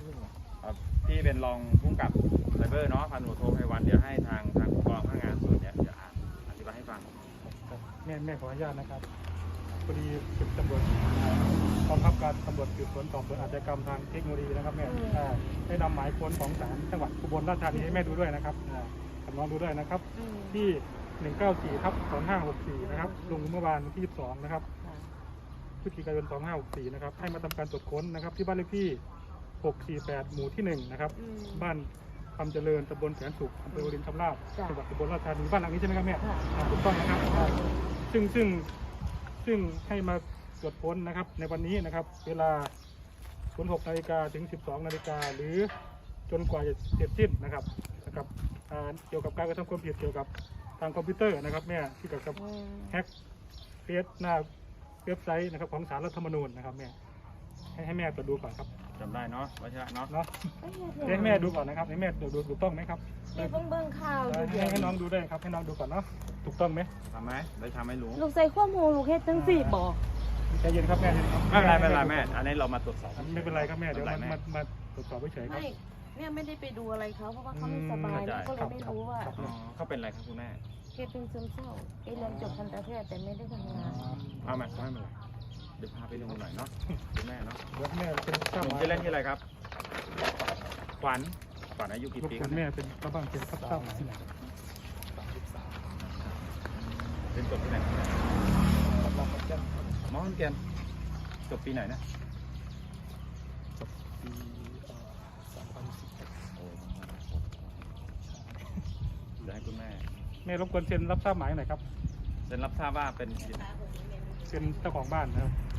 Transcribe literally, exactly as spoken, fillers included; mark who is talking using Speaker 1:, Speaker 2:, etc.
Speaker 1: ที่เป็นรองผู้กำกับไซเบอร์เนาะพันตำรวจโทไพวันเดี๋ยวให้ทางทางผู้กองพนักงานส่วนเนี้ยจะอ่านอธิบายให้ฟัง
Speaker 2: แม่แม่ขออนุญาตนะครับพอดีสืบตำรวจกองบังคับการตำรวจสืบสวนสอบสวนอาชญากรรมทางเทคโนโลยีนะครับแม่ได้นำหมายค้นของศาลจังหวัดอุบลราชธานีให้แม่ดูด้วยนะครับกับน้องดูด้วยนะครับที่หนึ่งเก้าสี่ทับสองห้าหกสี่นะครับลงเมื่อวานที่ยี่สิบสองนะครับพฤศจิกายนสองห้าหกสี่นะครับให้มาทำการตรวจค้นนะครับที่บ้านเลขที่หกสี่แปดหมู่ที่หนึ่งนะครับบ้านคำเจริญตำบลแสนสุขอำเภอวารินชำราบจังหวัดอุบลราชธานีบ้านหลังนี้ใช่ไหมครับแม่ถูกต้องนะครับซึ่งซึ่งซึ่งให้มาตรวจค้นนะครับในวันนี้นะครับเวลาศูนย์หกนาฬิกาถึงสิบสองนาฬิกาหรือจนกว่าจะเสร็จสิ้นนะครับนะครับเกี่ยวกับการกระทำความผิดเกี่ยวกับทางคอมพิวเตอร์นะครับแม่ที่เกี่ยวกับแฮกเฟซหน้าเว็บไซต์นะครับของศาลรัฐธรรมนูญนะครับแม่ให้ให้แม่ตรวจดูก่อนครับ
Speaker 1: จำได้เนาะวัชระเนาะ
Speaker 2: เนาะให้แม่ดูก่อนนะครับให้แม่ดูดูถูกต้องไหมครับ
Speaker 3: เดี๋ยวเพิ่งเบิ่งข่าวอยู่เดี๋ยว
Speaker 2: ให้น้องดูด้วยครับให้น้องดูก่อนเนาะถูกต้องไหม
Speaker 1: ทำไหมได้ทำให้รู้
Speaker 3: ลูกใส่ข้อมูลลูกเฮ็ดทั้งสี่บอก
Speaker 2: ใจเย็นครับแม่
Speaker 1: ไม่เป็นไรไม่เป็นไรแม่อันนี้เรามาตรวจสอบ
Speaker 2: ไม่เป็นไรครับแม่เดี๋ยวมามามาตรวจสอบเฉยๆครับ
Speaker 3: ไม่แม่ไม่ได้ไปดูอะไรเขาเพราะว่าเขาไม่สบายก็เลยไม่รู้ว่า
Speaker 1: เขาเป็นอะไรครับคุณแม่
Speaker 3: เคสเป็นซึมเศร้าไอเรียนจบทันตแพทย์แต่ไม่ได้ทำงาน
Speaker 1: เอามาไม่เป็นไรเดี๋ยวพาไปดูหน่อยเนาะคุณแม่เนาะ
Speaker 2: เดี๋ยวแม่เป็น
Speaker 1: ข้าผมจะเล่นที่อะไรครับขวัญขวัญอายุกี่ปีครับ
Speaker 2: แม่เป็นกระบังเป็นข้าวเต้าที่ไหน
Speaker 1: เป็นจบที่ไหนมอขอนแก่นจบปีไหนนะ
Speaker 2: จบปีสองพันสิบ
Speaker 1: เดี๋ยวให้คุณแม่
Speaker 2: แม่รบกวนเซ็นรับทราบหมายหน่อยครับ
Speaker 1: เซ็นรับทราบว่าเป็น
Speaker 2: เป็นเจ้าของบ้านนะครับ